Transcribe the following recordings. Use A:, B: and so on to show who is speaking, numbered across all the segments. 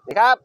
A: ดีครับ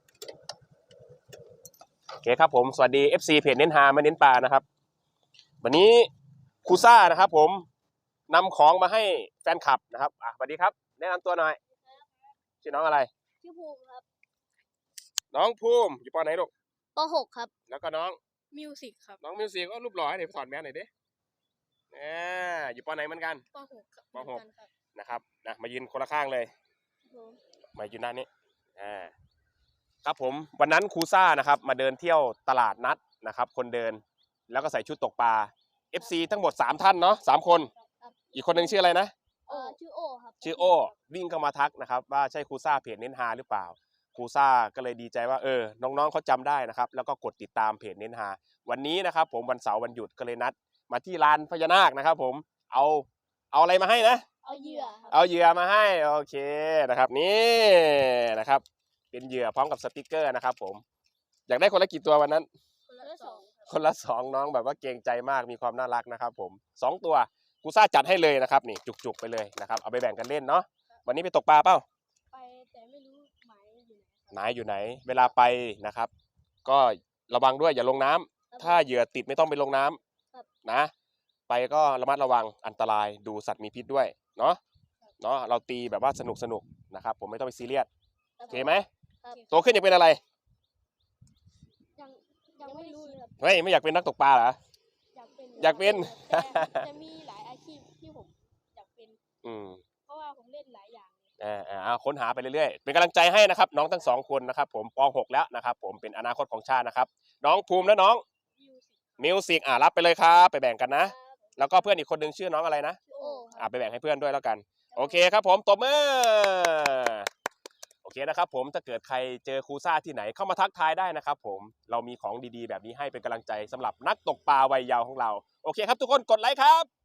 A: โอเคครับผมสวัสดี FC เพจเน้นหามาเน้นปลานะครับวันนี้ครูซ่านะครับผมนำของมาให้แฟนคลับนะครับสวัสดีครับแนะนำตัวหน่อยชื่อน้องอะไร
B: ชื่อภูมิครับ
A: น้องภูมิอยู่ปไหนลูก
B: ป .6 ครับ
A: แล้วก็น้อง
B: มิวสิกครับ
A: น้องมิวสิกก็รูปหล่อให้เดี๋ยวถอดแมสหน่อยดิอยู่ปไหนเหมือนกัน
B: ป .6 ครับ
A: ป .6 นะครับนะมายืนคนละข้างเลยมายืนด้านนี้ครับผมวันนั้นครูซ่านะครับมาเดินเที่ยวตลาดนัดนะครับคนเดินแล้วก็ใส่ชุดตกปลา FC ทั้งหมด3ท่านเนาะ3คนอีกคนหนึ่งชื่ออะไรนะ
B: ชื่อโอครับ
A: ชื่อโอวิ่งเข้ามาทักนะครับว่าใช่ครูซ่าเพจเน้นหาหรือเปล่าครูซ่าก็เลยดีใจว่าน้องๆเขาจำได้นะครับแล้วก็กดติดตามเพจเน้นหาวันนี้นะครับผมวันเสาร์วันหยุดก็เลยนัดมาที่ลานพญานาคนะครับผมเอาอะไรมาให้นะ
B: เอาเหยื่อครับ
A: เอาเหยื่อมาให้โอเคนะครับนี่นะครับเป็นเหยื่อพร้อมกับสติกเกอร์นะครับผมอยากได้คนละกี่ตัววันนั้นคนละ2น้องแบบว่าเกรงใจมากมีความน่ารักนะครับผม2ตัวครูซ่าจัดให้เลยนะครับนี่จุกๆไปเลยนะครับเอาไปแบ่งกันเล่นเนาะวันนี้ไปตกปลาเปล่า
B: ไปแต่ไม่รู้หมายอยู่
A: ไหนอยู่ไหนเวลาไปนะครับก็ระวังด้วยอย่าลงน้ำถ้าเหยื่อติดไม่ต้องไปลงน้ำนะไปก็ระมัดระวังอันตรายดูสัตว์มีพิษด้วยเนาะเราตีแบบว่าสนุกนะครับผมไม่ต้องไปซีเรียสโอเคไหมโตขึ้นอยากเป็นอะไร
B: ยังไม่รู้เลยครับ
A: เฮ้ยไม่อยากเป็นนักตกปลาเหรออยากเป็น
B: จะมีหลายอาชีพที่ผมอยากเป็นเพราะว่าผมเล่นหลายอย่าง
A: ค้นหาไปเรื่อยๆเป็นกำลังใจให้นะครับน้องทั้ง2คนนะครับผมป .6 แล้วนะครับผมเป็นอนาคตของชาตินะครับน้องภูมิและน้องมิวสิกรับไปเลยครับไปแบ่งกันนะแล้วก็เพื่อนอีกคนนึงชื่อน้องอะไรนะไปแบ่งให้เพื่อนด้วยแล้วกันโอเคครับผมตบมือโอเคนะครับผมถ้าเกิดใครเจอครูซ่าที่ไหนเข้ามาทักทายได้นะครับผมเรามีของดีๆแบบนี้ให้เป็นกำลังใจสำหรับนักตกปลาวัยเยาว์ของเราโอเคครับทุกคนกดไลค์ครับ